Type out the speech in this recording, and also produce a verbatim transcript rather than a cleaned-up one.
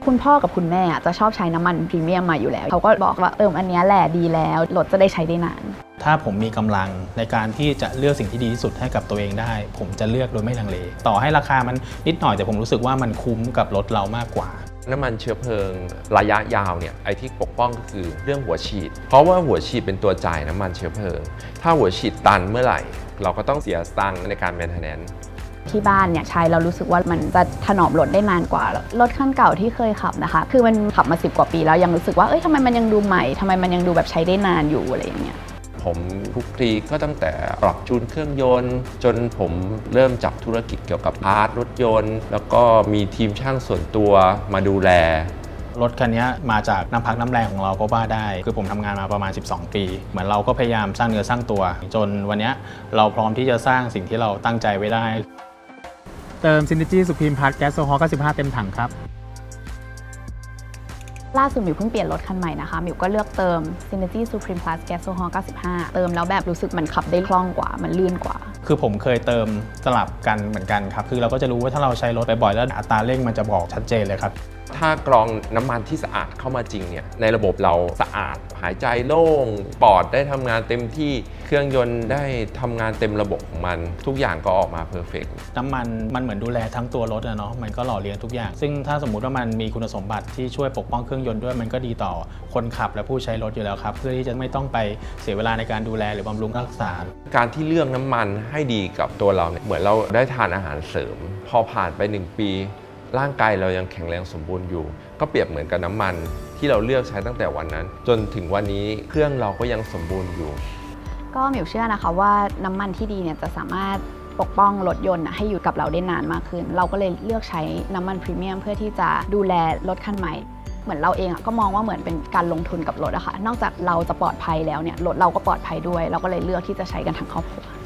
คุณพ่อกับคุณแม่จะชอบใช้น้ำมันพรีเมียมมาอยู่แล้วเขาก็บอกว่าเอออันนี้แหละดีแล้วรถจะได้ใช้ได้นานถ้าผมมีกำลังในการที่จะเลือกสิ่งที่ดีที่สุดให้กับตัวเองได้ผมจะเลือกโดยไม่ลังเลต่อให้ราคามันนิดหน่อยแต่ผมรู้สึกว่ามันคุ้มกับรถเรามากกว่าน้ำมันเชื้อเพลิงระยะยาวเนี่ยไอ้ที่ปกป้องก็คือเรื่องหัวฉีดเพราะว่าหัวฉีดเป็นตัวจ่ายน้ำมันเชื้อเพลิงถ้าหัวฉีดตันเมื่อไหร่เราก็ต้องเสียตังค์ในการแมนเทนแนนซ์ที่บ้านเนี่ยใช้เรารู้สึกว่ามันจะถนอมรถได้นานกว่ารถคันเก่าที่เคยขับนะคะคือมันขับมาสิบกว่าปีแล้วยังรู้สึกว่าเอ้ยทำไมมันยังดูใหม่ทำไมมันยังดูแบบใช้ได้นานอยู่อะไรอย่างเงี้ยผมคลุกคลีก็ตั้งแต่ปรับจูนเครื่องยนต์จนผมเริ่มจับธุรกิจเกี่ยวกับพาร์ทรถยนต์แล้วก็มีทีมช่างส่วนตัวมาดูแลรถคันนี้มาจากน้ำพักน้ำแรงของเราก็ว่าได้คือผมทำงานมาประมาณสิบสองปีเหมือนเราก็พยายามสร้างเนื้อสร้างตัวจนวันนี้เราพร้อมที่จะสร้างสิ่งที่เราตั้งใจไว้ได้เติม Synergy Supreme Plus แก๊สโซฮอล์เก้าสิบห้าเต็มถังครับล่าสุดมิวเพิ่งเปลี่ยนรถคันใหม่นะคะมิวก็เลือกเติม Synergy Supreme Plus แก๊สโซฮอล์เก้าสิบห้าเติมแล้วแบบรู้สึกมันขับได้คล่องกว่ามันลื่นกว่าคือผมเคยเติมสลับกันเหมือนกันครับคือเราก็จะรู้ว่าถ้าเราใช้รถไปบ่อยแล้วอัตราเร่งมันจะบอกชัดเจนเลยครับถ้ากรองน้ำมันที่สะอาดเข้ามาจริงเนี่ยในระบบเราสะอาดหายใจโล่งปอดได้ทำงานเต็มที่เครื่องยนต์ได้ทำงานเต็มระบบของมันทุกอย่างก็ออกมาเพอร์เฟกต์น้ำมันมันเหมือนดูแลทั้งตัวรถนะเนาะมันก็หล่อเลี้ยงทุกอย่างซึ่งถ้าสมมุติว่ามันมีคุณสมบัติที่ช่วยปกป้องเครื่องยนต์ด้วยมันก็ดีต่อคนขับและผู้ใช้รถอยู่แล้วครับเพื่อที่จะไม่ต้องไปเสียเวลาในการดูแลหรือบำรุงรักษาการที่เลือกน้ำมันให้ดีกับตัวเราเนี่ยเหมือนเราได้ทานอาหารเสริมพอผ่านไปหนึ่งปีร่างกายเรายังแข็งแรงสมบูรณ์อยู่ก็เปรียบเหมือนกับน้ำมันที่เราเลือกใช้ตั้งแต่วันนั้นจนถึงวันนี้เครื่องเราก็ยังสมบูรณ์อยู่ก็มิวเชื่อนะคะว่าน้ำมันที่ดีเนี่ยจะสามารถปกป้องรถยนต์ให้อยู่กับเราได้นานมากขึ้นเราก็เลยเลือกใช้น้ำมันพรีเมียมเพื่อที่จะดูแลรถคันใหม่เหมือนเราเองก็มองว่าเหมือนเป็นการลงทุนกับรถอะค่ะนอกจากเราจะปลอดภัยแล้วเนี่ยรถเราก็ปลอดภัยด้วยเราก็เลยเลือกที่จะใช้กันทั้งครอบครัว